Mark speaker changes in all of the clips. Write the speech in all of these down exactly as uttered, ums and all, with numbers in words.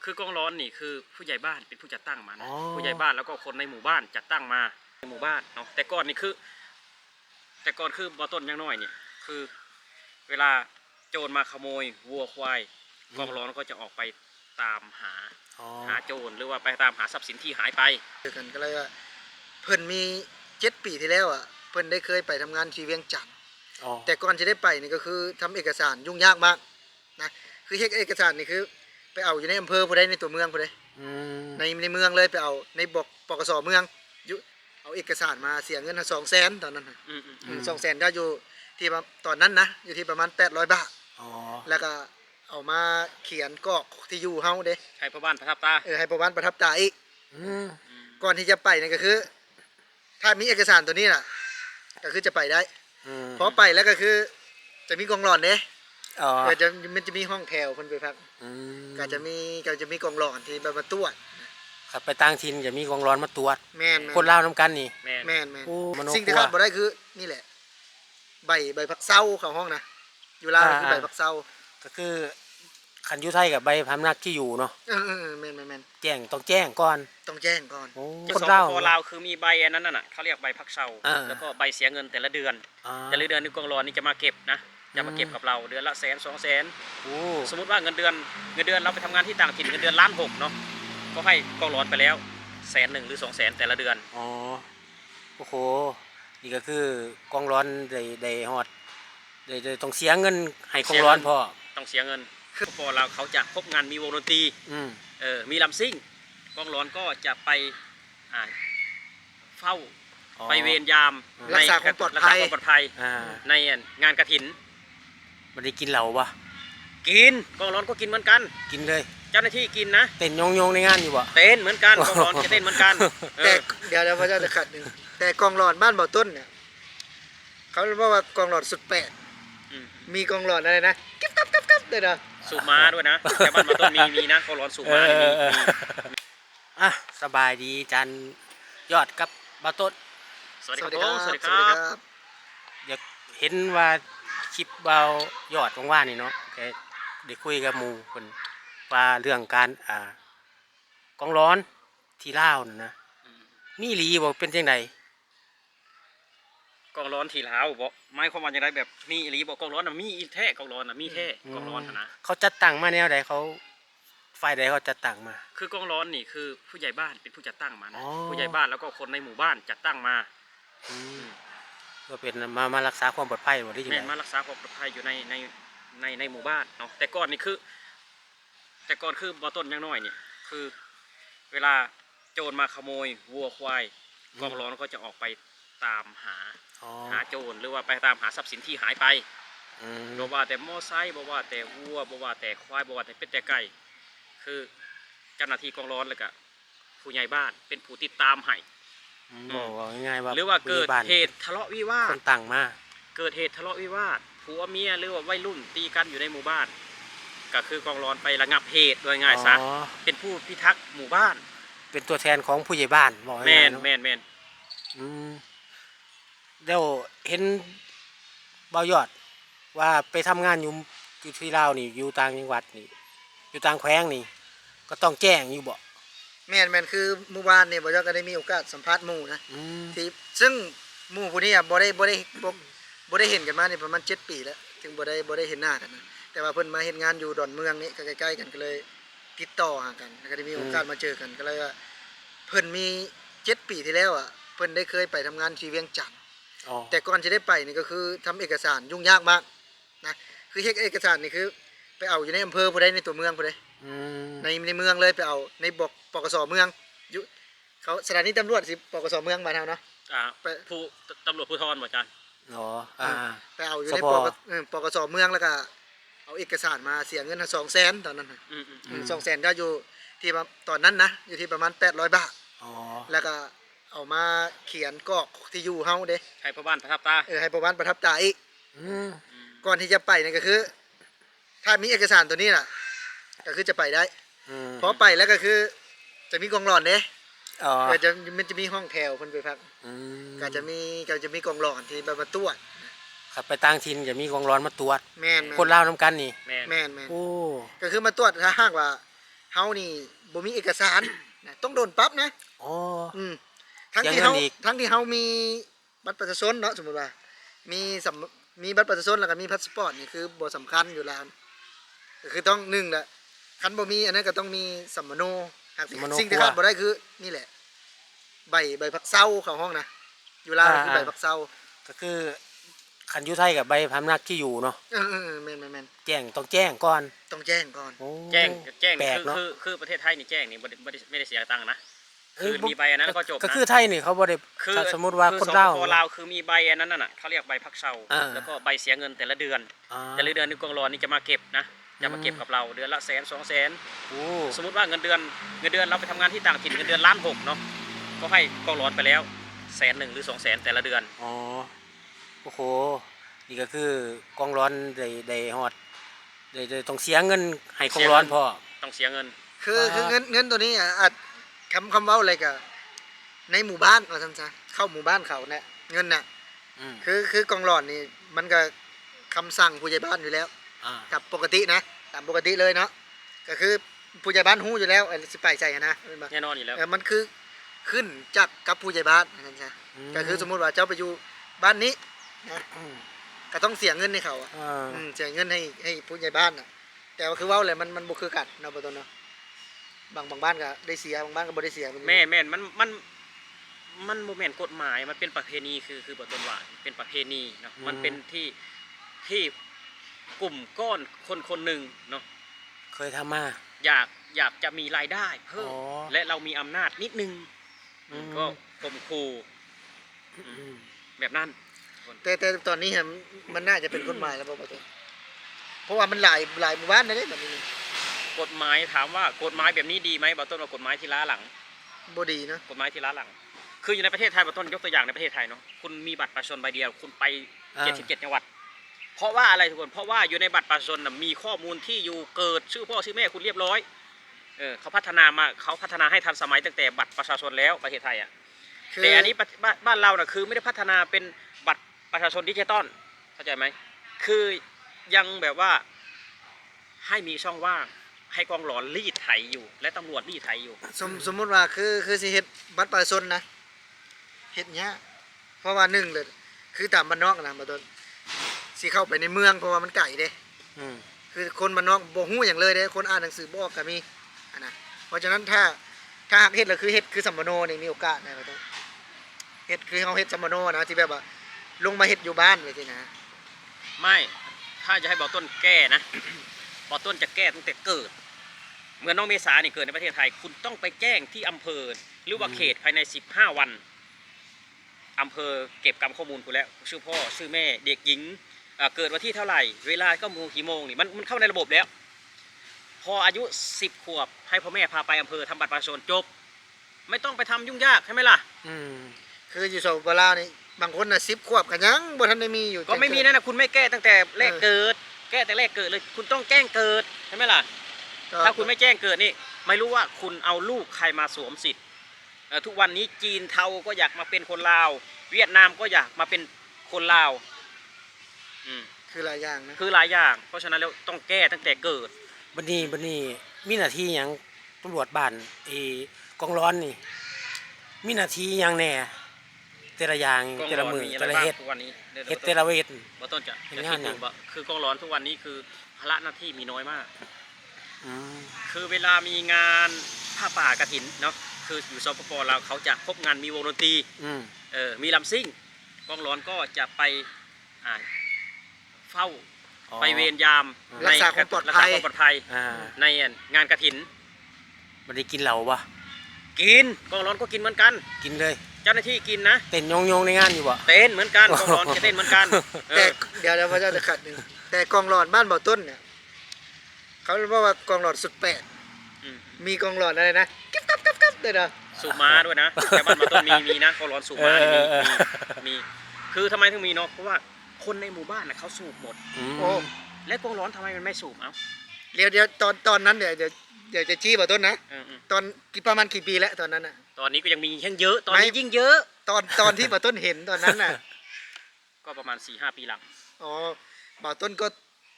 Speaker 1: คือกองร้อนนี่คือผู้ใหญ่บ้านเป็นผู้จัดตั้งมานะผู้ใหญ่บ้านแล้วก็คนในหมู่บ้านจัดตั้งมาในหมู่บ้านเนาะแต่ก่อนนี่คือแต่ก่อนคือบอต้นยังน้อยเนี่ยคือเวลาโจรมาขโมยวัวควายกองร้อนก็จะออกไปตามหาหาโจรหรือว่าไปตามหาทรัพย์สินที่หายไป
Speaker 2: กันก็เลยว่าเพิ่นมีเจ็ดปีที่แล้วอ่ะเพิ่นได้เคยไปทำงานที่เวียงจันทน์แต่ก่อนจะได้ไปนี่ก็คือทำเอกสารยุ่งยากมากนะคือเฮ็ดเอกสารนี่คือไปเอาอยู่ในอำเภอผู้ใดในตัวเมืองผู้ใดในในเมืองเลยไปเอาในบกปกสเมืองอยู่เอาเอกสารมาเสียเงินสองแสนตอนนั้นสองแสนก็อยู่ที่ตอนนั้นนะอยู่ที่ประมาณแปดร้อยบาทแล้วก็เอามาเขียนกรอกที่อยู่เฮาเด้
Speaker 1: ให้พ่อบ้านประทับตา
Speaker 2: เออให้พ่อบ้านประทับตาอีกก่อนที่จะไปนี่ก็คือ ถ้ามีเอกสารตัวนี้น่ะก็คือจะไปได้พอไปแล้วก็คือจะมีกองหลอนเด้อ๋อจะมันจะมีห้องแถวคนไปพักก็จะมีก็จะมีกองหลอนที่มาตรวจ
Speaker 3: ครับไปต่างถิ่นจะมีกองร้อนมาตรวจ
Speaker 2: แม่น
Speaker 3: คนลาวน้ำกันนี่
Speaker 2: แม่นแม่นสิ่งที่ขาดบ่ได้คือนี่แหละใบใบผักเศร้าของห้องนะอยู่ลาวคือใบผักเศร้า
Speaker 3: ก็คือขันยุไทยกับใบพำนักที่อยู่เนาะ
Speaker 2: เออแม่นแม่น
Speaker 3: แจ้งต้องแจ้งก่อน
Speaker 2: ต้องแจ้งก่อน
Speaker 1: คนลาวคนลาวคือมีใบอันนั้นน่ะเขาเรียกใบพักเศร้าแล้วก็ใบเสียเงินแต่ละเดือนแต่ละเดือนนี่กองร้อนนี่จะมาเก็บนะจะมาเก็บกับเราเดือนละแสนสองแสนสมมติว่าเงินเดือนเงินเดือนเราไปทำงานที่ต่างถิ่นเงินเดือนล้านหกเนาะก็ให้กองร้อนไปแล้วแสนหนึ่งหรือสองแสนแต่ละเดือน
Speaker 3: อ๋อโอ้โหนี่ก็คือกองร้อนได้ได้ฮอดได้ได้ต้องเสียเงินให้กองร้อนพอ
Speaker 1: ต้องเสียเงินคือพอเราเขาจะพบงานมีวงดนตรีเออมีลำซิ่งกองร้อนก็จะไปอ่าเฝ้าไปเวรยาม
Speaker 2: รักษาความปลอดภัย
Speaker 1: ปลอดภัยในงานกฐิน
Speaker 3: มันได้กินเหล้าปะ
Speaker 1: กินกองร้อนก็กินเหมือนกัน
Speaker 3: กินเลย
Speaker 1: เจ้าหน้าที่กินนะ
Speaker 3: เต้นยองยองในงานอยู่ปะ
Speaker 1: เต้นเหมือนกันกองร้อนจะเต้นเหมือนกัน
Speaker 2: แต่เดี๋ยวเดี๋ยวพระเจ้าจะขัดหนึ่งแต่กองร้อนบ้านบ่อต้นเนี่ยเขาเรียกว่ากองร้อนสุดแปดมีกองร้อนอะไรนะกิ๊บกับกับกับเลยนะ
Speaker 1: สูบม้าด้วยนะแต่บ้านบ่อต้นมีมีนะกองร้อนสูบม้ามี
Speaker 3: อ่ะสบายดีจันยอดกับบ่อต้น
Speaker 1: สวัสดีครับสวัสดีครับ
Speaker 3: อยากเห็นว่าคลิปเบายอดว่างๆนี่เนาะแกได้คุยกับหมู่คนว่าเรื่องการอ่ากองร้อนที่ลาวนะมีหลีบอกเป็นจังได
Speaker 1: กองร้อนที่ลาวบอกหมายความว่าอย่างไรแบบมีหลีบอกกองร้อนน่ะมีแท้กองร้อนน่ะมีแท้กองร้อนนะ
Speaker 3: เขาจัดตั้งมาแนวใดเขาฝ่ายใดเขาจัดตั้งมา
Speaker 1: คือกองร้อนนี่คือผู้ใหญ่บ้านเป็นผู้จัดตั้งมานะผู้ใหญ่บ้านแล้วก็คนในหมู่บ้านจัดตั้งมา
Speaker 3: ก็เป็นมามารักษาความปลอดภัยหมดที่
Speaker 1: อยู่มารักษาความปลอดภัยอยู่ในในในในหมู่บ้านเนาะแต่ก่อนนี่คือแต่ก่อนคือบอต้นยังน้อยเนี่ยคือเวลาโจรมาขโมยวัวควายกองร้อนก็จะออกไปตามหาหาโจรหรือว่าไปตามหาทรัพย์สินที่หายไปบอกว่าแต่มอไซค์บอกว่าแต่วัวบอกว่าแต่ควายบอกว่าแต่เป็ดแต่ไก่คือเจ้าหน้าที่กองร้อนเลยกับผู้ใหญ่บ้านเป็นผู้ติดตามให้
Speaker 3: บอกง่ายๆว่า
Speaker 1: หรือว่าเกิดเหตุทะเลาะวิวาท
Speaker 3: คนต่างมา
Speaker 1: เกิดเหตุทะเลาะวิวาทผัวเมียหรือว่าวัยรุ่นตีกันอยู่ในหมู่บ้านก็คือกองร้อนไประงับเหตุโดยง่ายซะเป็นผู้พิทักษ์หมู่บ้าน
Speaker 3: เป็นตัวแทนของผู้ใหญ่บ้านบอก
Speaker 1: แม่นแม่นแม่น
Speaker 3: อืมเดี๋ยวเห็นเบายอดว่าไปทำงานอยู่อยู่ที่ลาวนี่อยู่ต่างจังหวัดนี่อยู่ต่างแขวงนี่ก็ต้องแจ้งอยู่บ่
Speaker 2: แม่นแม่นคือเมื่อวานเนี่ยบ่ยอดก็ได้มีโอกาสสัมภาษณ์หมู่นะที่ซึ่งหมู่ผู้นี้อ่ะบ่ได้บ่ได้บ่ได้เห็นกันมานี่ประมาณเจ็ดปีแล้วถึงบ่ได้บ่ได้เห็นหน้ากันนะแต่ว่าเพิ่นมาเฮ็ดงานอยู่ดอนเมืองนี่ใกล้ๆกันก็เลยติดต่อหากันแล้วก็ได้มีโอกาสมาเจอกันก็เลยว่าเพิ่นมีเจ็ดปีที่แล้วอ่ะเพิ่นได้เคยไปทำงานที่เวียงจันทน์แต่ก่อนจะได้ไปนี่ก็คือทำเอกสารยุ่งยากมากนะคือเฮ็ดเอกสารนี่คือไปเอาอยู่ในอำเภอผู้ใดในตัวเมืองผู้ใดในในเมืองเลยไปเอาในบกปกสเมืองอยู่เขาสถานีตำรวจสิปกสเมืองบ้านเฮาเนาะ
Speaker 1: อ่าไปผู้ตำรวจภูธรบ่อาจารย์
Speaker 3: อ๋ออ่า
Speaker 2: ไปเอาอยู่ในปกปกสเมืองแล้วก็เอาเอกสารมาเสียเงินสองแสนตอนนั้นสองแสนก็อยู่ที่ตอนนั้นนะอยู่ที่ประมาณแปดร้อยบาทแล้วก็เอามาเขียนกรอกที่อยู่เฮาเด้
Speaker 1: ให้พ่อบ้านประทับตา
Speaker 2: เออให้พ่อบ้านประทับตาอีกก่อนที่จะไปนี่ก็คือถ้ามีเอกสารตัวนี้น่ะก็คือจะไปได้พอไปแล้วก็คือจะมีกองหลอนเด้อ๋อจะมันจะมีห้องแถวคนไปพักก็จะมีก็จะมีกองหลอนที่มาตรวจ
Speaker 3: ครับไปต่างถิ่นจะมีกองร้อนมาตรวจ
Speaker 2: แม่น
Speaker 3: คนลาวน้ำกันนี่
Speaker 2: แม่นแม่นโอ้ก็คือมาตรวจถ้าหากว่าเฮานี่บ่มีเอกสารนะต้องโดนปรับนะ
Speaker 3: อ๋อ
Speaker 2: อืมทั้ง
Speaker 3: เสี
Speaker 2: ที่
Speaker 3: ยเงิ
Speaker 2: เฮาน
Speaker 3: อีก
Speaker 2: ทั้งที่เฮามีบัตรประชาชนเนาะสมมุติว่า มีสำมีบัตรประชาชนแล้วก็มีพาสปอร์ตนี่คือบ่สำคัญอยู่แล้วก็คือต้องหนึ่งแหละคันบ่มีอันนั้นก็ต้องมีสัมมโนหากสิ่งที่ขาดบ่ได้คือนี่แหละ ใบใบพักเซาเข้าห้องนะอยู่ลาวคือใบพักเซา
Speaker 3: ก็คือคันอยู่ไทยกับใบพำนักที่อยู่เนาะ
Speaker 2: เออๆๆแม่น
Speaker 3: แจ้งต้องแจ้งก่อน
Speaker 2: ๆต้องแจ้งก่อน
Speaker 3: โอ้
Speaker 1: แจ้งแจ้ง
Speaker 3: แปล
Speaker 1: นี่
Speaker 3: ก
Speaker 1: คือ
Speaker 3: เนาะ
Speaker 1: คือคือประเทศไทยนี่แจ้งนี่บ่ได้ไม่ได้ไม่ได้เสียตังค์นะ
Speaker 3: เ
Speaker 1: คือมีใบอันนั้นก็จบนะ
Speaker 3: ก็คือไทยนี่เขาบ่ได้
Speaker 1: คือ
Speaker 3: ถ้าสมมุติว่า
Speaker 1: คือ
Speaker 3: คน
Speaker 1: ส
Speaker 3: ลาว
Speaker 1: ปปลาวคือมีใบอันนั้นน่ะเขาเรียกใบพักเซา
Speaker 3: อ่า
Speaker 1: แล้วก็ใบเสียเงินแต่ละเดือน
Speaker 3: อ่า
Speaker 1: แต่ละเดือนนี่กองร้อนนี่จะมาเก็บนะจะมาเก็บกับเราเดือนละแสนสองแสน
Speaker 3: โอ้
Speaker 1: สมมติว่าเงินเดือนเงินเดือนเราไปทำงานที่ต่างถิ่นเงินเดือนล้านหกเนาะก็ให้กองร้อนไปแล้วแสนหนึ่งหรือสองแสนแต่ละเดือน
Speaker 3: อ๋อโอ้โหนี่ก็คือกองร้อนได้ได้ฮอดได้ได้ต้องเสียเงินให้กองร้อนพอ
Speaker 1: ต้องเสียเงิน
Speaker 2: คือ
Speaker 3: อ่า
Speaker 2: คือเงินเงินตัวนี้อ่ะอาจคำคำเว้าอะไรก็ในหมู่บ้านว่าซั่นซะเข้าหมู่บ้านเขาเนี่ยเงินน่ะ
Speaker 3: อืม
Speaker 2: คือคือกองหลอนนี่มันก็คำสั่งผู้ใหญ่บ้านอยู่แล้ว
Speaker 3: อ่า
Speaker 2: กับปกตินะตามปกติเลยเนาะก็คือผู้ใหญ่บ้านฮู้อยู่แล้วไอ้สิไปใส่อะนะแม่นบ่
Speaker 1: แน่นอนอยู่แล้ว
Speaker 2: เออมันคือขึ้นจากกับผู้ใหญ่บ้านนั่นจ้ะก็คือสมมุติว่าเจ้าไปอยู่บ้านนี้นะ
Speaker 3: อืม
Speaker 2: ก็ต้องเสียเงินให้เขาอ่ะ
Speaker 3: อ่า
Speaker 2: อืมเสียเงินให้ให้ผู้ใหญ่บ้านน่ะ แต่ว่าคือเว้าแหละมันมันบ่คือกันเนาะบ่ต้นเนาะบางบางบ้านก็ได้เสียบางบ้านก็บ่ได้เสีย
Speaker 1: แม่แม่นมันมันมันโมเมนต์กฎหมายมันเป็นประเพณีคือคือบทต้นว่าเป็นประเพณีเนาะมันเป็นที่ที่กลุ่มก้อนคนคนหนึ่งเนาะ
Speaker 3: เคยทำมา
Speaker 1: อยากอยากจะมีรายได้เพิ่ม
Speaker 3: อ๋อ
Speaker 1: และเรามีอำนาจนิดนึง
Speaker 3: อืม
Speaker 1: ก็ข่มขู่
Speaker 3: อืม
Speaker 1: แบบนั้น
Speaker 2: แต่แต่ตอนนี้ฮะมันน่าจะเป็นกฎหมายแล้วบ่บ่ต้นเพราะว่ามันหลายหลายหมู่บ้านนะเด้แบบนี้นี่
Speaker 1: กฎหมายถามว่ากฎหมายแบบนี้ดีไหมบางต้นว่ากฎหมายที่ล้าหลัง
Speaker 2: บ่ดีเนาะ
Speaker 1: กฎหมายที่ล้าหลัง คืออยู่ในประเทศไทยบางต้นยกตัวอย่างในประเทศไทยเนาะคุณมีบัตรประชาชนใบเดียวคุณไป
Speaker 3: อ่า
Speaker 1: เจ็ดสิบเจ็ดจังหวัด เพราะว่าอะไรทุกคนเพราะว่าอยู่ในบัตรประชาชนน่ะมีข้อมูลที่อยู่เกิดชื่อพ่อชื่อแม่คุณเรียบร้อยเออเขาพัฒนามาเขาพัฒนาให้ทันสมัยตั้งแต่บัตรประชาชนแล้วประเทศไทยอ่ะ
Speaker 2: คือ
Speaker 1: แต่อันนี้ประบ้านบ้านเราน่ะคือไม่ได้พัฒนาเป็นบัตรประชาชนดิจิตอลเข้าใจไหมคือยังแบบว่าให้มีช่องว่างให้กองหลอนรีดไถอยู่ และตำรวจรีดไถอยู่
Speaker 2: สมสมมุติว่าคือคือสิเฮ็ดบัตรประชาชนนะเฮ็ดยากเพราะว่าหนึ่งเลยคือตามบ้านนอกนะบ่ต้นสิเข้าไปในเมืองเพราะว่ามันไกลเด้
Speaker 3: อืม
Speaker 2: คือคนบ้านนอกบ่ฮู้หยังเลยเด้คนอ่านหนังสือบ่ออกก็มีอันนะเพราะฉะนั้นถ้าถ้าหากเฮ็ดแล้วคือเฮ็ดคือสัมมโนนี่มีโอกาสนะบ่ต้นเฮ็ดคือเฮาเฮ็ดสัมมโนนะที่แบบว่าลงมาเฮ็ดอยู่บ้านไว้สินะ
Speaker 1: ไม่ถ้าจะให้บอต้นแก้นะ บอต้นจะแก้ตั้งแต่เกิดเหมือนน้องเมษานี่เกิดในประเทศไทย คุณต้องไปแจ้งที่อำเภอหรือว่าเขตภายในสิบห้าวันอำเภอเก็บกรรมข้อมูลคุณแล้วชื่อพ่อชื่อแม่เด็กหญิงเอ่อเกิดวันที่เท่าไหร่เวลาก็โมงกี่โมงนี่มันมันเข้าในระบบแล้ว พออายุสิบขวบให้พ่อแม่พาไปอำเภอทำบัตรประชาชนจบ ไม่ต้องไปทำยุ่งยากใช่ไหมล่ะ
Speaker 3: อืม
Speaker 2: คืออยู่สปปลาวนี่บางคนน่ะสิบขวบก็ยังบ่ทันได้มีอยู่
Speaker 1: ก็ไม่มีนะนะคุณไม่แก้ตั้งแต่แรกเกิด แก้แต่แรกเกิดเลยคุณต้องแจ้งเกิดใช่ไหมล่ะ
Speaker 2: ก็
Speaker 1: ถ้าคุณไม่แจ้งเกิดนี่ไม่รู้ว่าคุณเอาลูกใครมาสวมสิทธิ์เอ่อทุกวันนี้จีนเทาก็อยากมาเป็นคนลาว เวียดนามก็อยากมาเป็นคนลาวอืม
Speaker 2: คือหลายอย่างนะ
Speaker 1: คือหลายอย่าง เพราะฉะนั้นแล้วต้องแก้ตั้งแต่เกิด
Speaker 3: บัดนี้บัดนี้มีหน้าที่หยังตำรวจบ้านไอ้กองร้อนนี่ มีหน้าที่หยังแหน่แต่ละอย่าง
Speaker 1: กอง
Speaker 3: แต่
Speaker 1: ร้
Speaker 3: ละ
Speaker 1: อน
Speaker 3: มือ
Speaker 1: มีอะ
Speaker 3: แต่
Speaker 1: ไร
Speaker 3: ละ
Speaker 1: บ้าง
Speaker 3: เฮ็ด
Speaker 1: ทุกวันนี้ดี๋ยว
Speaker 3: เฮ็ด
Speaker 1: บ่
Speaker 3: แต่
Speaker 1: ต้น
Speaker 3: ละเวท
Speaker 1: บ่ต้นจะ
Speaker 3: เห็น
Speaker 1: จะ
Speaker 3: งาน
Speaker 1: คิด
Speaker 3: หยั
Speaker 1: ดู
Speaker 3: ง
Speaker 1: ว่าคือกองร้อนทุกวันนี้คือภาระหน้าที่มีน้อยมาก
Speaker 3: อืม
Speaker 1: คือเวลามีงานผ้าป่ากฐินเนาะคืออยู่สปปลาวเขาจะครบงานมีวงดนตรี
Speaker 3: อืม
Speaker 1: เออมีลำซิ่งกองร้อนก็จะไปอ่าเฝ้า
Speaker 3: อ๋อ
Speaker 1: ไปเวรยาม
Speaker 2: รักษาความปลอด
Speaker 1: รัก
Speaker 2: ภั
Speaker 1: ษาย ความปลอดภัย
Speaker 3: อ่า
Speaker 1: ในงานกฐิน
Speaker 3: บัดนี้กินเหล้าบ่
Speaker 1: กินกองร้อนก็กินเหมือนกัน
Speaker 3: กินเลย
Speaker 1: เจ้าหน้าที่กินนะ
Speaker 3: เต้นยองๆในงานอยู่บ่
Speaker 1: เต้นเหมือนกันกองร้อนจะเต้นเหมือนกันเอ
Speaker 2: แต่
Speaker 1: อ
Speaker 2: เดี๋ยวเดี๋ยวพระเจ้าจะขัดหนึ่งแต่กองหลอดบ้านบ่อต้นเนี่ยเขาเรียกว่ากองหลอดสุดแปด
Speaker 1: อืม
Speaker 2: มีกองหลอดอะไรนะกิ๊บกับกับกับเลยนะ
Speaker 1: สูบม้าด้วยนะแต่บ้านมาต้นมีมีนะกองร้อนสูบม้านี่มีมีมีคือทำไมถึงมีเนาะเพราะว่าคนในหมู่บ้านน่ะเขาสูบหมด
Speaker 3: อืม
Speaker 2: โอ้
Speaker 1: และกองร้อนทำไมมันไม่สูบเอ้า
Speaker 2: เดี๋ยวเดี๋ยวตอนตอนนั้นเดี๋ยวเดี๋ยวเดี๋ยวจะจี้บ่อต้นนะ
Speaker 1: เออ
Speaker 2: ตอนกี่ประมาณกี่ปีแล้วตอนนั้นน่ะ
Speaker 1: ๆตอนนี้ก็ยังมียังเยอะตอนนี้
Speaker 2: ไม่
Speaker 1: ยิ่งเยอะ
Speaker 2: ตอนตอนที่บ่อต้นเห็นตอนนั้นน่ะ
Speaker 1: ก็ประมาณสี่ห้าปีหลัง
Speaker 2: อ๋อบ่อต้นก็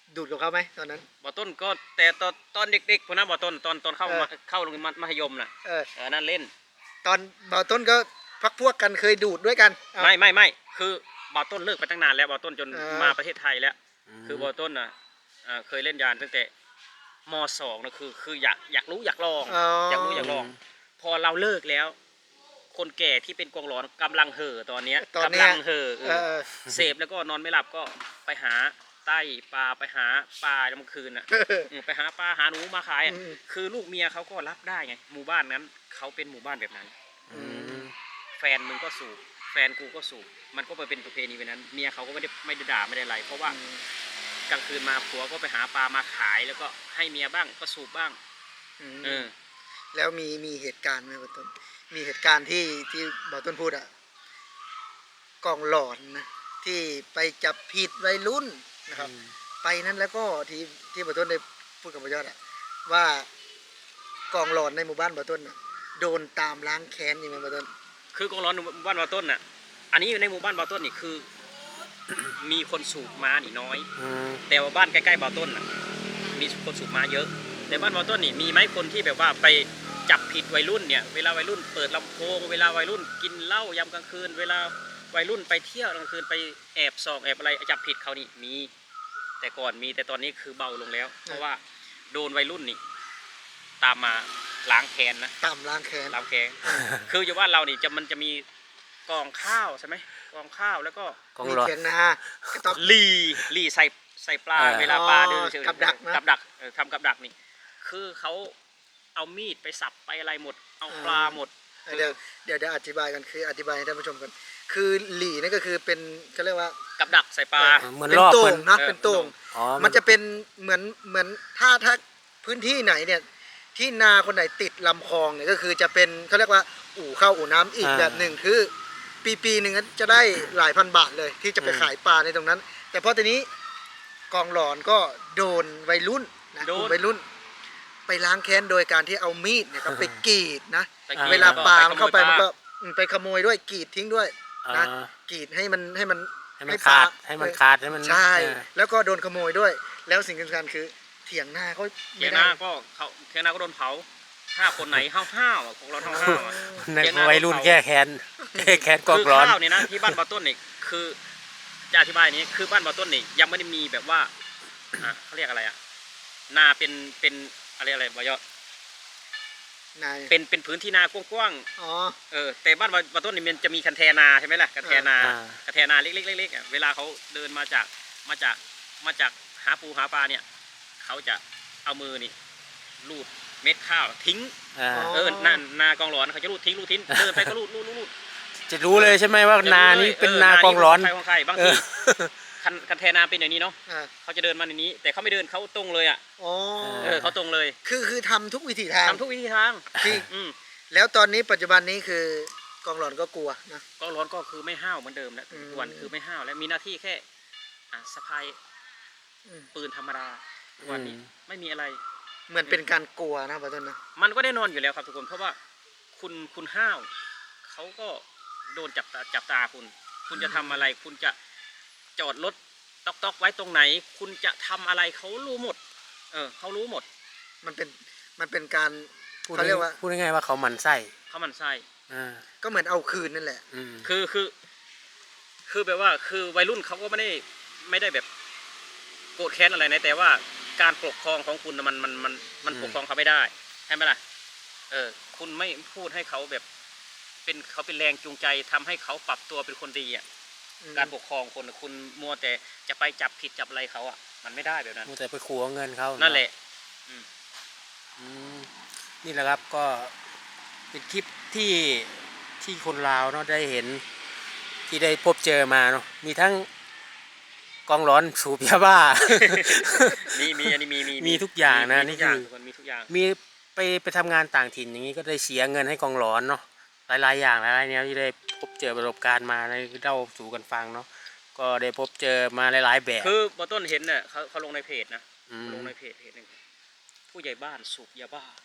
Speaker 2: ดูดกับเขาไหมตอนนั้น
Speaker 1: บ่ต้นก็แต่ตอนตอนเด็กๆพวกนั้นบ่ต้นตอนตอนเข้า
Speaker 2: เออ
Speaker 1: มาเข้าโรงเรียนมัธยมน่ะ
Speaker 2: เออ
Speaker 1: เออนั่นเล่น
Speaker 2: ตอนบ่าวต้นก็พักพวกกันเคยดูดด้วยกันเอา
Speaker 1: ไม่ไม่ไม่คือบ่ต้นเลิกไปตั้งนานแล้วบ่ต้นจน
Speaker 2: เออ
Speaker 1: มาประเทศไทยแล้ว คือบ่ต้นน่ะอ่าเคยเล่นยานตั้งแต่มสองนะคือคืออยากอยากรู้อยากลอง
Speaker 2: อ๋อ
Speaker 1: อยากรู้อยากลอง พอเราเลิกแล้ว คนแก่ที่เป็นกองร้อนกำลังเห่อตอนเนี้ย
Speaker 2: ตอน
Speaker 1: กำ
Speaker 2: เนี้
Speaker 1: ลั
Speaker 2: ย
Speaker 1: งเห่อเอ
Speaker 2: เอ
Speaker 1: อ
Speaker 2: อ
Speaker 1: เสพแล้วก็นอนไม่หลับก็ไปหาใต้ปลาไปหาปลาเมื่อคืนน่ะอืมไปหาปลาหาหนูมาขายอ่ะ
Speaker 2: อืม
Speaker 1: คือลูกเมียเขาก็รับได้ไงหมู่บ้านนั้นเขาเป็นหมู่บ้านแบบนั้น
Speaker 3: อืม
Speaker 1: แฟนมึงก็สูบแฟนกูก็สูบมันก็ไปเป็นประเพณีแบบนั้น เมียเขาก็ไม่ได้ไม่ได้ด่าไม่ได้อะไรเพราะว่ากลางคืนมาผัวก็ไปหาปลามาขายแล้วก็ให้เมียบ้างก็สูบบ้าง
Speaker 2: อืม
Speaker 1: เออ
Speaker 2: แล้วมีมีเหตุการณ์ไหมบ่าวต้นมีเหตุการณ์ที่ที่บ่าวต้นพูดอะกองหลอนนะที่ไปจับผิดวัยรุ่นนะครับ ไปนั้นแล้วก็ที่ที่บ่าวต้นได้พูดกับบ่าวยอดอะว่ากองหลอนในหมู่บ้านบ่าวต้นน่ะโดนตามล้างแค้นยังไงบ่าวต้น
Speaker 1: คือกองร้อนหมู่บ้านบาต้นน่ะ อันนี้ในหมู่บ้านบาต้นนี่คือ มีคนสูบม้านี่น้อย
Speaker 3: อืม
Speaker 1: แต่ว่าบ้านใกล้ๆบาต้นน่ะ มีคนสูบม้าเยอะ แต่บ้านบาต้นนี่มีไหมคนที่แบบว่าไปจับผิดวัยรุ่นเนี่ย เวลาวัยรุ่นเปิดลำโพง เวลาวัยรุ่นกินเหล้ายามกลางคืน เวลาวัยรุ่นไปเที่ยวกลางคืนไปแอบส่องแอบอะไรจับผิดเขานี่มี แต่ก่อนมีแต่ตอนนี้คือเบาลงแล้ว เพราะว่าโดนวัยรุ่นนี่ ตามมาล้างแค้นนะ
Speaker 2: ตามล้างแค้น
Speaker 1: ล้างแค้น คืออยู่บ้านเรานี่จะมันจะมีกองข้าวใช่ไหมกองข้าวแล้วก็
Speaker 3: กอง
Speaker 2: มี
Speaker 3: ร้อน
Speaker 2: เถียงนากระต๊อบ
Speaker 1: ลีลีใส่ใส่ปลา
Speaker 3: อ่า
Speaker 1: เวลาปลาเดินเฉยๆ
Speaker 2: กับดักนะ
Speaker 1: กับดักเออทำกับดักนี่ คือเขาเอามีดไปสับไปอะไรหมด เอาปลาหมด
Speaker 2: เดี๋ยวเดี๋ยวเดี๋ยวอธิบายกันคืออธิบายให้ท่านผู้ชมกันคือหลี่นี่ก็คือเป็นเขาเรียกว่า
Speaker 1: กับดักใส่ปลา
Speaker 3: เหมือน
Speaker 2: เป็น
Speaker 3: รอบ
Speaker 2: โต่
Speaker 3: เหมื
Speaker 2: ง
Speaker 3: อน
Speaker 2: นะ
Speaker 1: เออ
Speaker 2: เป็นโต่ง
Speaker 3: อ๋อ
Speaker 2: มันจะเป็นเหมือนเหมือนถ้าถ้าพื้นที่ไหนเนี่ยที่นาคนไหนติดลำคลองเนี่ยก็คือจะเป็นเขาเรียกว่าอู่ข้าวอู่น้ำอีกแบบหนึ่งคือปีปีหนึ่งจะได้หลายพันบาทเลยที่จะไปขายปลาในตรงนั้น แต่พอทีนี้กองหลอนก็โดนวัยรุ่นนะ
Speaker 1: โดน
Speaker 2: กลุ่มวัยรุ่น ไปล้างแค้นโดยการที่เอามีดเนี่ยครับไปกรีดนะ
Speaker 1: ไปกิน
Speaker 2: เวลาปลา
Speaker 1: แ
Speaker 2: มันเข้าไป
Speaker 1: ขโย
Speaker 2: มัน
Speaker 1: ป
Speaker 2: ก็
Speaker 1: ลา
Speaker 2: อืมไปขโมยด้วยกรีดทิ้งด้วย
Speaker 3: อ่า
Speaker 2: นะกรีดให้มันให้มัน
Speaker 3: ให้มัน
Speaker 2: ปล
Speaker 3: ขาดให้มันขาดให้มัน
Speaker 2: ใช่
Speaker 3: เออ
Speaker 2: แล้วก็โดนขโมยด้วย แล้วสิ่งสำคัญคือเถียงหน้าก็
Speaker 1: เทีย
Speaker 2: ไม่
Speaker 1: นา
Speaker 2: ได้
Speaker 1: ก็เขาเทียนาก็โดนเผา ถ้าคนไหนห้าวห้าวๆอ่ะพวกเราห้าวห้าวๆอ่ะ
Speaker 3: ใน
Speaker 1: เทียนา
Speaker 3: วัยรุ่นแก้แค้นแก้แค้นกอง
Speaker 1: คือ
Speaker 3: ร้อน
Speaker 1: ข้าวเนี่ยนะที่บ้านบาต้นนี่คือจะอธิบายอย่างนี้คือบ้านบาต้นนี่ยังไม่ได้มีแบบว่าอ่ะเขาเรียกอะไรอ่ะนาเป็นเป็นอะไรอะไรบายอ
Speaker 2: นาย
Speaker 1: เป็นเป็นพื้นที่นากว้าง
Speaker 2: อ๋อ
Speaker 1: ๆเออแต่บ้านบาบาต้นนี่มันจะมีคันแทนาใช่ไหมล่ะคันแทนา
Speaker 3: อ่า
Speaker 1: คันแทนาเล็กๆเล็กๆอ่ะเวลาเขาเดินมาจากมาจากมาจากหาปูหาปลาเนี่ยเขาจะเอามือนี่ลูดเม็ดข้าวทิ้ง
Speaker 3: อ่า
Speaker 1: เออนั่นนากองหลอนเขาจะลูดทิ้งลูดทิ้งเดินไปก็ลูดลูดลูดลูด
Speaker 3: จะรู้เลยใช่ไหมว่านานี้เป็นนากองร้อน
Speaker 1: ใครของใครบาง
Speaker 3: เอ
Speaker 1: ที
Speaker 3: อ
Speaker 1: คันคันแทนาเป็นอย่างนี้เนาะ
Speaker 2: อ่า
Speaker 1: เขาจะเดินมาในนี้ แต่เขาไม่เดินเขาตรงเลยอ่ะ
Speaker 2: อ๋อ
Speaker 1: เออเขาตรงเลย
Speaker 2: คือคือทำทุกวิถีทาง
Speaker 1: ทำทุกวิธีทาง
Speaker 2: ที่
Speaker 1: อืม
Speaker 2: แล้วตอนนี้ปัจจุบันนี้คือกองหลอนก็กลัวนะ
Speaker 1: กองร้อนก็คือไม่ห้าวเหมือนเดิมแล้ว
Speaker 2: อืม
Speaker 1: ทุกวันคือไม่ห้าวแล้วมีหน้าที่แค่อ่ะสะพาย
Speaker 2: อืม
Speaker 1: ปืนธรรมดาทุกวันนี้
Speaker 3: อืม
Speaker 1: ไม่มีอะไร
Speaker 2: เหมือนเป็นการกลัวนะปัจจุบันนะ
Speaker 1: มันก็แน่นอนอยู่แล้วครับทุกคนเพราะว่าคุณคุณห้าวเขาก็โดนจับตาจับตาคุณ คุณจะทำอะไร คุณจะจอดรถตอกตอกไว้ตรงไหน คุณจะทำอะไรเขารู้หมด เออเขารู้หมด
Speaker 2: มันเป็นมันเป็นการ
Speaker 3: พูด
Speaker 2: เขาเรียกว่า
Speaker 3: พูดง่ายๆว่าเขาหมันไส้
Speaker 1: เขามันไส้
Speaker 3: อ่า
Speaker 2: ก็เหมือนเอาคืนนั่นแหละ
Speaker 3: อืม
Speaker 1: คือคือคือแบบว่าคือวัยรุ่นเขาก็ไม่ได้ไม่ได้แบบโกรธแค้นอะไรนะแต่ว่าการปกครองของคุณน่ะมันมันมันมันปกครองเขาไม่ได้ใช่ไหมล่ะเออคุณไม่พูดให้เขาแบบเป็นเขาเป็นแรงจูงใจทำให้เขาปรับตัวเป็นคนดีอ่ะ
Speaker 2: อืม
Speaker 1: การปกครองคนน่ะคุณมัวแต่จะไปจับผิดจับอะไรเขาอ่ะมันไม่ได้แบบนั้น
Speaker 3: มัวแต่ไปขัวเงินเขา
Speaker 1: นั่นแหละ
Speaker 3: อืมนี่แหละครับก็เป็นคลิปที่ที่คนลาวเนาะได้เห็นที่ได้พบเจอมาเนาะมีทั้งกองร้อนสูบยาบ้า
Speaker 1: มีมีอันนี้มีมี
Speaker 3: มีทุกอย่างนะ
Speaker 1: มี
Speaker 3: นี่
Speaker 1: ทุกอย่าง
Speaker 3: คือ
Speaker 1: ทุกคนมีทุกอย่าง
Speaker 3: มีไปไปทำงานต่างถิ่นอย่างนี้ก็ได้เสียเงินให้กองร้อนเนาะหลายๆอย่างหลายๆแนวที่ได้พบเจอประสบการณ์มาในเล่าสู่กันฟังเนาะก็ได้พบเจอมาหลายๆแบบ
Speaker 1: คือบอต้นเห็นเนี่ยเขาเขาลงในเพจนะ
Speaker 3: อืม
Speaker 1: ลงในเพจเพจหนึ่งผู้ใหญ่บ้านสูบยาบ้า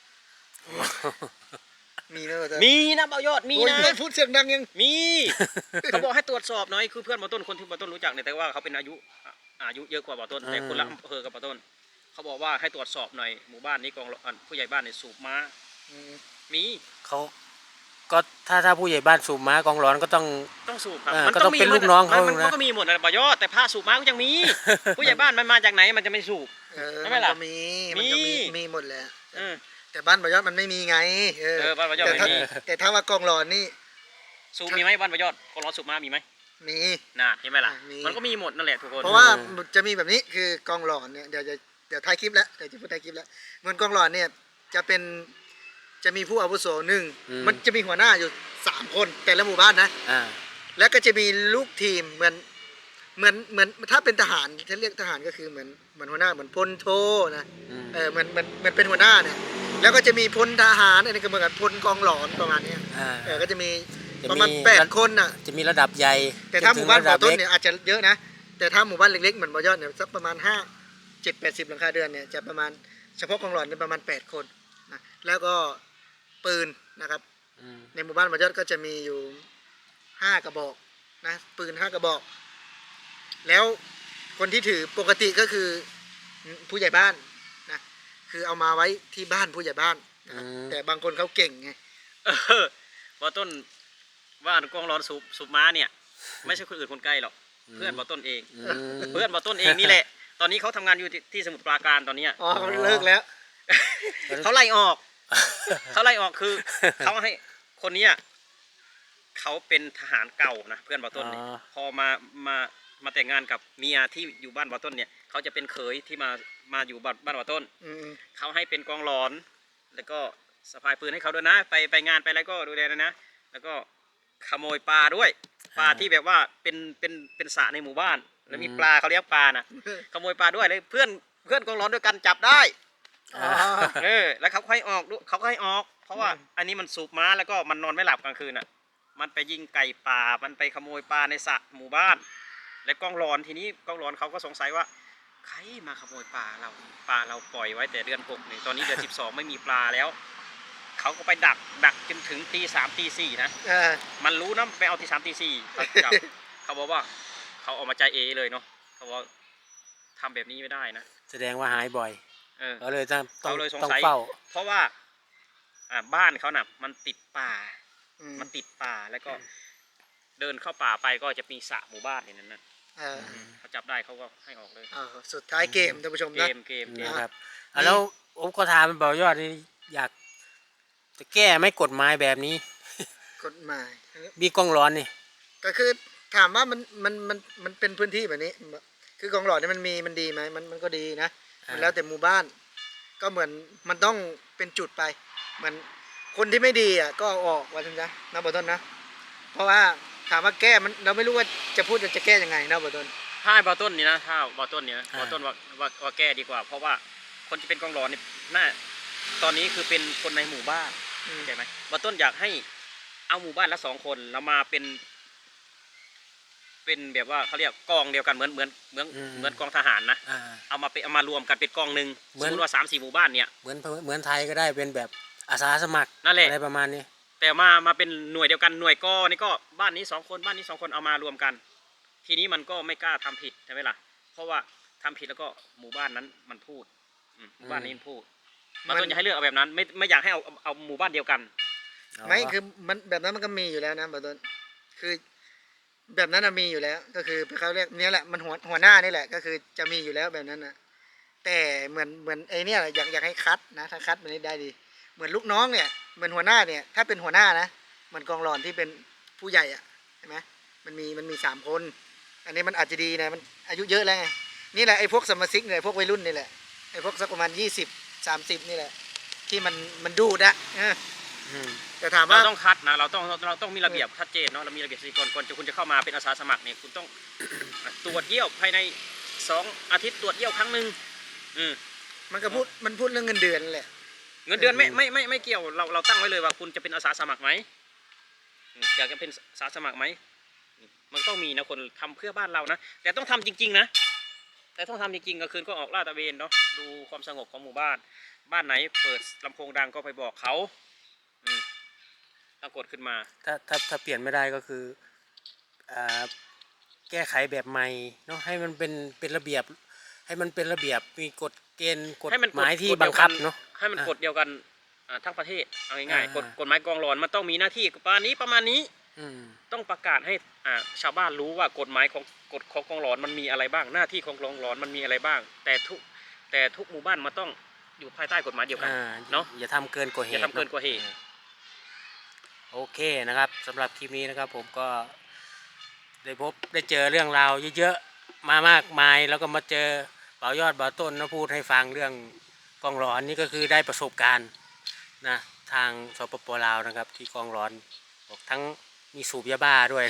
Speaker 2: มีนะปัจจุบัน
Speaker 1: มีนะเบายอดมี
Speaker 2: โอ้ย
Speaker 1: นะ
Speaker 2: ไม่พูดเสียงดังยัง
Speaker 1: มี เขาบอกให้ตรวจสอบหน่อยคือเพื่อนบอต้นคนที่บอต้นรู้จักเนี่ยแต่ว่าเขาเป็นอายุอายุเยอะกว่าบ่อต้น
Speaker 3: อืม
Speaker 1: แต่คนละอำเภอกับบ่อต้น เขาบอกว่าให้ตรวจสอบหน่อยหมู่บ้านนี้กองร้อนผู้ใหญ่บ้านเนี่ยสูบม้า
Speaker 2: อืม
Speaker 1: มี
Speaker 3: เขาก็ถ้าถ้าผู้ใหญ่บ้านสูบม้ากองร้อนก็ต้อง
Speaker 1: ต้องสูบครับ
Speaker 3: เออ
Speaker 1: มัน
Speaker 3: ก็ต้องเป็น
Speaker 1: หมด
Speaker 3: ลูกน้องเขา
Speaker 1: มัน
Speaker 3: นะ
Speaker 1: มันก็มีหมดนะบ่อยอดแต่ผ้าสูบม้าก็ยังมี ผู้ใหญ่บ้านมันมาจากไหนมันจะไม่สูบ
Speaker 2: เออ
Speaker 1: ใช่ไหม
Speaker 2: มัน
Speaker 1: ล่ะ
Speaker 2: ก็มีมันก็มี
Speaker 1: มี
Speaker 2: มีหมดแหละ
Speaker 1: เออ
Speaker 2: แต่บ้านประยอดมันไม่มีไงเออ
Speaker 1: เออบ้านประยอด
Speaker 2: แต่ถ้า
Speaker 1: ไม่มี
Speaker 2: แต่ถ้าว่ากองหลอนนี่
Speaker 1: สูบมีไหมบ้านบ่อยอดกองร้อนสูบม้ามีไหม
Speaker 2: มี
Speaker 1: น่าเห็นไหมล่ะ
Speaker 2: มี
Speaker 1: มันก็มีหมดนั่นแหละทุกคน
Speaker 2: เพราะว่าจะมีแบบนี้คือกองหลอนเนี่ยเดี๋ยวจะเดี๋ยวท้ายคลิปแล้วเดี๋ยวจะพูดท้ายคลิปแล้วเหมือนกองหลอนเนี่ยจะเป็นจะมีผู้อาวุโสหนึ่ง
Speaker 3: อืม
Speaker 2: มันจะมีหัวหน้าอยู่สามคนแต่ละหมู่บ้านนะ
Speaker 3: อ่า
Speaker 2: แล้วก็จะมีลูกทีมเหมือนเหมือนเหมือนถ้าเป็นทหารถ้าเรียกทหารก็คือเหมือนเหมือนหัวหน้าเหมือนพลโทนะ
Speaker 3: อืม
Speaker 2: เออเหมือนเหมือนเหมือนเป็นหัวหน้าเนี่ยแล้วก็จะมีพลทหารอันนี้ก็เหมือนกับพลกองหลอนประมาณเนี้ย
Speaker 3: อ่า
Speaker 2: เออก็จะมี
Speaker 3: จะ
Speaker 2: ประมาณ
Speaker 3: มี
Speaker 2: แปดคนน่ะ
Speaker 3: จะมีระดับใหญ่
Speaker 2: แต่ถ้าหมู่บ้าน
Speaker 3: จ
Speaker 2: บ่อ
Speaker 3: ถึง
Speaker 2: ต้น
Speaker 3: ระดับ
Speaker 2: เนี่ยอาจจะเยอะนะ แต่ถ้าหมู่บ้านเล็กๆเหมือนบ่อยอดเนี่ยสักประมาณห้าเจ็ดแปดสิบหลังคาเรือนเนี่ยจะประมาณเฉพาะกองหลอนเนี่ยประมาณแปดคนนะแล้วก็ปืนนะครับ
Speaker 3: อืม
Speaker 2: ในหมู่บ้านบ่อยอดก็จะมีอยู่ห้ากระบอกนะปืนห้ากระบอก แล้วคนที่ถือปกติก็คือผู้ใหญ่บ้านนะคือเอามาไว้ที่บ้านผู้ใหญ่บ้านนะครับแต่บางคนเขาเก่งไง
Speaker 1: เออบ่อต้นว่านกองร้อนสูบสูบม้าเนี่ย ไม่ใช่คนอื่นคนใกล้หรอกเพื่อนบ่อต้นเอง
Speaker 3: อืม
Speaker 1: เพื่อนบ่อต้นเองนี่แหละ ตอนนี้เขาทำงานอยู่ที่ที่สมุทรปราการตอนเนี้ย
Speaker 2: อ๋อเขาเลิกแล้ว
Speaker 1: เขาไล่ออก เขาไล่ออกคือ เขาให้คนเนี้ยเขาเป็นทหารเก่านะเพื่อนบ่อต้นเนี่ย
Speaker 3: อ๋อ
Speaker 1: พอมามามาแต่งงานกับเมียที่อยู่บ้านบ่อต้นเนี่ยเขาจะเป็นเขยที่มามาอยู่บ้านบ้านบ่อต้น
Speaker 2: อืม
Speaker 1: เขาให้เป็นกองร้อน แล้วก็สะพายปืนให้เขาด้วยนะ ไปไปงานไปอะไรก็ดูแลนะนะ แล้วก็ขโมยปลาด้วย ปลาที่แบบว่าเป็นเป็นเป็นสระในหมู่บ้าน แล้วมีปลาเขาเลี้ยงปลานะขโมยปลาด้วยเลยเพื่อนเพื่อนกองร้อนด้วยกันจับได้
Speaker 2: อ๋อ
Speaker 1: เออ แล้วเขาก็ให้ออกด้วยเขาก็ให้ออก เพราะว่าอันนี้มันสูบม้าแล้วก็มันนอนไม่หลับกลางคืนอ่ะ มันไปยิงไก่ป่า มันไปขโมยปลาในสระหมู่บ้าน และกองร้อนทีนี้กองร้อนเขาก็สงสัยว่าใครมาขโมยปลาเราปลาเราปล่อยไว้แต่เดือนหกนี่ตอนนี้เดือนสิบสองไม่มีปลาแล้ว เขาก็ไปดักดักจนถึงตีสามตีสี่นะ
Speaker 2: เออ
Speaker 1: มันรู้นะไปเอาตีสามตีสี่เขาจับ เขาบอกว่าเขาออกมาใจเอเลยเนาะเขาบอกทำแบบนี้ไม่ได้นะ
Speaker 3: แสดงว่าหายบ่อย
Speaker 1: เออ
Speaker 3: ก็เลยต้องต้อง
Speaker 1: เขาเลยสง
Speaker 3: ต้อง
Speaker 1: สัย
Speaker 3: เฝ้า
Speaker 1: เพราะว่าอ่าบ้านเขาน่ะ มันติดป่า
Speaker 2: อืม
Speaker 1: มันติดป่าแล้วก็เดินเข้าป่าไปก็จะมีสระหมู่บ้านในนั้นนะ
Speaker 2: เออ
Speaker 1: เขาจับได้เขาก็ให้ออกเลย
Speaker 2: เอาสุดท้ายเกมท่านผู้ชม
Speaker 1: เก
Speaker 2: นะ
Speaker 1: มเกมเกม
Speaker 3: นะครับอ่ะแล้วผมก็ถามบ่อยอดนี่อยากจะแก้ไหม่กฎหมายแบบนี้
Speaker 2: กฎหมาย
Speaker 3: มีกองร้อนนี่
Speaker 2: ก็คือถามว่ามันมันมันมันเป็นพื้นที่แบบนี้ คือกองหลอดเนี่ยมันมีมันดีไหมมันมันก็ดีนะ
Speaker 3: อ่ามั
Speaker 2: มันแล้วแต่หมู่บ้าน ก็เหมือนมันต้องเป็นจุดไปเหมือนคนที่ไม่ดีอ่ะก็เอาออกว่าจังนะนะบอต้นนะ เพราะว่าถามว่าแก้มันเราไม่รู้ว่าจะพูดจะแก้ยังไงนะบอต้น
Speaker 1: ถ้าให้บอต้นนี่นะถ้าบอต้นเนี่ยบอต้นว่าว่าว่าแก้ดีกว่า เพราะว่าคนที่เป็นกองร้อนนี่น่าตอนนี้คือเป็นคนในหมู่บ้าน
Speaker 2: อืม
Speaker 1: เข้าใจไหมบอต้นอยากให้เอาหมู่บ้านละสองคนแล้วมาเป็น เป็นแบบว่าเขาเรียกกองเดียวกันเหมือนเหมือนเหมือนเหมือนกองทหารนะ
Speaker 3: อ่า
Speaker 1: เอามาเป็นเอามารวมกันเป็นกองหนึ่ง
Speaker 3: เหมื
Speaker 1: ส
Speaker 3: อน
Speaker 1: มมติว่าสามสี่หมู่บ้านเนี่ย
Speaker 3: เหมือนเหมือนไทยก็ได้เป็นแบบอาสาสมัคร
Speaker 1: นั่นแหละ
Speaker 3: อะไรประมาณนี้
Speaker 1: แต่มามาเป็นหน่วยเดียวกันหน่วยกอนี่ก็บ้านนี้สองคนบ้านนี้สองคนเอามารวมกัน ทีนี้มันก็ไม่กล้าทำผิดใช่ไหมล่ะ เพราะว่าทำผิดแล้วก็หมู่บ้านนั้นมันพูดอืมหมู่บ้านนี้มันพูดบางต้นอยากให้เลือกเอาแบบนั้น ไม่ไม่อยากให้เอาเอาเอาหมู่บ้านเดียวกัน
Speaker 2: ไม่คือมันแบบนั้นมันก็มีอยู่แล้วนะบอต้นคือแบบนั้นน่ะมีอยู่แล้ว ก็คือเขาเรียกเนี้ยแหละมันหัวหัวหน้านี่แหละ ก็คือจะมีอยู่แล้วแบบนั้นนะแต่เหมือนเหมือนไอ้เนี่ยอยากอยากให้คัดนะถ้าคัดมันได้ดี เหมือนลูกน้องเนี่ยเหมือนหัวหน้าเนี่ยถ้าเป็นหัวหน้านะเหมือนกองหลอนที่เป็นผู้ใหญ่อะใช่ไหมมันมีมันมีสามคน อันนี้มันอาจจะดีนะมันอายุเยอะแล้วไงนี่แหละไอ้พวกสมาชิกเนี่ยพวกวัยรุ่นนี่แหละไอ้พวกสักประมาณยี่สิบสามสิบนี่แหละที่มันมันดูดอะเออ
Speaker 3: อืม
Speaker 2: แต่ถาม
Speaker 1: เรา
Speaker 2: ว่า
Speaker 1: ต้องคัดนะเราต้องเราเราต้องมีระเบียบชัดเจนเนาะเรามีระเบียบสี่ก่อนก่อนจะคุณจะเข้ามาเป็นอาสาสมัครเนี่ยคุณต้อง ตรวจเยี่ยวภายในสองอาทิตย์ตรวจเยี่ยวครั้งหนึ่งอืม
Speaker 2: มันก็พูดมันพูดเรื่องเงินเดือนนั่นแหละ
Speaker 1: เงินเดือนไม่ไม่ไม่ไม่เกี่ยวเราเราตั้งไว้เลยว่าคุณจะเป็นอาสาสมัครไหมอืมอยากจะเป็นอาสาสมัครไหมอืมมันต้องมีนะคนทำเพื่อบ้านเรานะแต่ต้องทำจริงๆนะแต่ต้องทำจริงๆกลางคืนก็ออกลาดตระเวนเนาะดูความสงบของหมู่บ้าน บ้านไหนเปิดลำโพงดังก็ไปบอกเขาอืมต้องกดขึ้นมา
Speaker 3: ถ้าถ้าถ้าเปลี่ยนไม่ได้ก็คืออ่าแก้ไขแบบใหม่เนาะให้มันเป็นเป็นระเบียบ ให้มันเป็นระเบียบมีกฎเกณฑ์กฎ
Speaker 1: ให้มัน
Speaker 3: หมายที่
Speaker 1: กฎ
Speaker 3: บั
Speaker 1: เดี
Speaker 3: ง
Speaker 1: ยวกั
Speaker 3: คับเนาะ
Speaker 1: ให้มัน
Speaker 3: อ่ะ
Speaker 1: กฎเดียวกันอ่าทั้งประเทศเอาง่าย
Speaker 3: อ่า
Speaker 1: ๆกฎกฎหมายกองร้อนมันต้องมีหน้าที่ประมาณนี้ประมาณนี้
Speaker 3: อืม
Speaker 1: ต้องประกาศให้อ่าชาวบ้านรู้ว่ากฎหมายของกฎของกองร้อนมันมีอะไรบ้างหน้าที่ของกองร้อนมันมีอะไรบ้าง แต่ทุกแต่ทุกหมู่บ้านมันต้องอยู่ภายใต้กฎหมายเดียวกัน
Speaker 3: อ่า
Speaker 1: เนาะ
Speaker 3: อย่าทำเกินกว่าเห
Speaker 1: อย่า
Speaker 3: ตุ
Speaker 1: ทำเกินกว่าเหตุ
Speaker 3: อะโอเคนะครับสำหรับคลิปนี้นะครับ ผมก็ได้พบได้เจอเรื่องราวเยอะๆมามากมายแล้วก็มาเจอเบายอดเบาต้นนะพูดให้ฟังเรื่องกองร้อนนี่ก็คือได้ประสบการณ์นะทางสปปลาวนะครับ ที่กองร้อนบอกทั้งมีสูบยาบ้าด้วย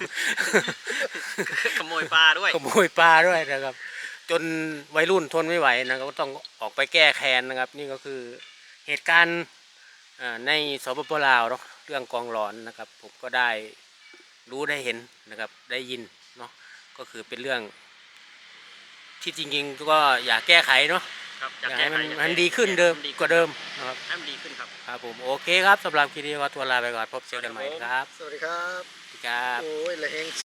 Speaker 1: ขโมยปลาด้วย
Speaker 3: ขโมยปลาด้วยนะครับ จนวัยรุ่นทนไม่ไหวนะครับก็ต้องออกไปแก้แค้นนะครับ นี่ก็คือเหตุการณ์อ่าในสปปลาวเนาะเรื่องกองร้อนนะครับ ผมก็ได้รู้ได้เห็นนะครับ ได้ยินเนาะก็คือเป็นเรื่อง ที่จริงๆก็อยากแก้ไขเนาะ
Speaker 1: ครับอ
Speaker 3: อยาก
Speaker 1: แก้
Speaker 3: ให้มัน
Speaker 1: ไขอยาก
Speaker 3: มัน
Speaker 1: แก้
Speaker 3: ดีขึ้นเดิม
Speaker 1: ให้
Speaker 3: กว่าเดิมนะครับ
Speaker 1: ให้มันดีขึ้นครับ
Speaker 3: ครับผมโอเคครับสำหรับคลิปนี้ก็ตัวลาไปก่อนพบเจอกันใหม่ครับ
Speaker 2: สวัสดีครับ
Speaker 3: สวัสดีครับ
Speaker 2: โอ้ยละแหง